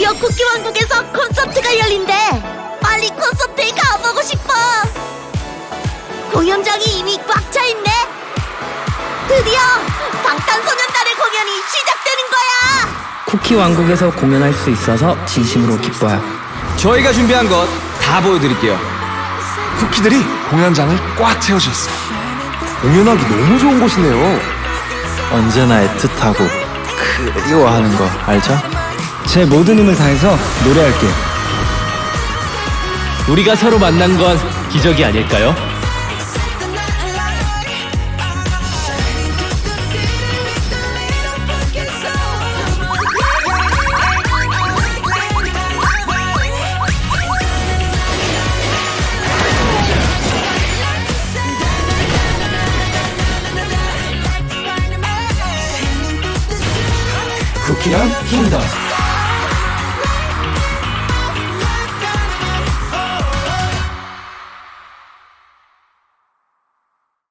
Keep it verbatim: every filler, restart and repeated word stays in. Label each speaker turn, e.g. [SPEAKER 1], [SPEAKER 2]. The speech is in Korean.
[SPEAKER 1] 드디어 쿠키 왕국에서 콘서트가 열린대. 빨리 콘서트에 가보고 싶어. 공연장이 이미 꽉 차 있네. 드디어 방탄소년단의 공연이 시작되는 거야.
[SPEAKER 2] 쿠키 왕국에서 공연할 수 있어서 진심으로 기뻐요.
[SPEAKER 3] 저희가 준비한 것 다 보여드릴게요.
[SPEAKER 4] 쿠키들이 공연장을 꽉 채워주셨어요. 공연하기 너무 좋은 곳이네요.
[SPEAKER 5] 언제나 애틋하고 그리워하는 거 알죠?
[SPEAKER 6] 제 모든 힘을 다해서 노래할게요.
[SPEAKER 7] 우리가 서로 만난 건 기적이 아닐까요?
[SPEAKER 4] 쿠키랑 킹덤.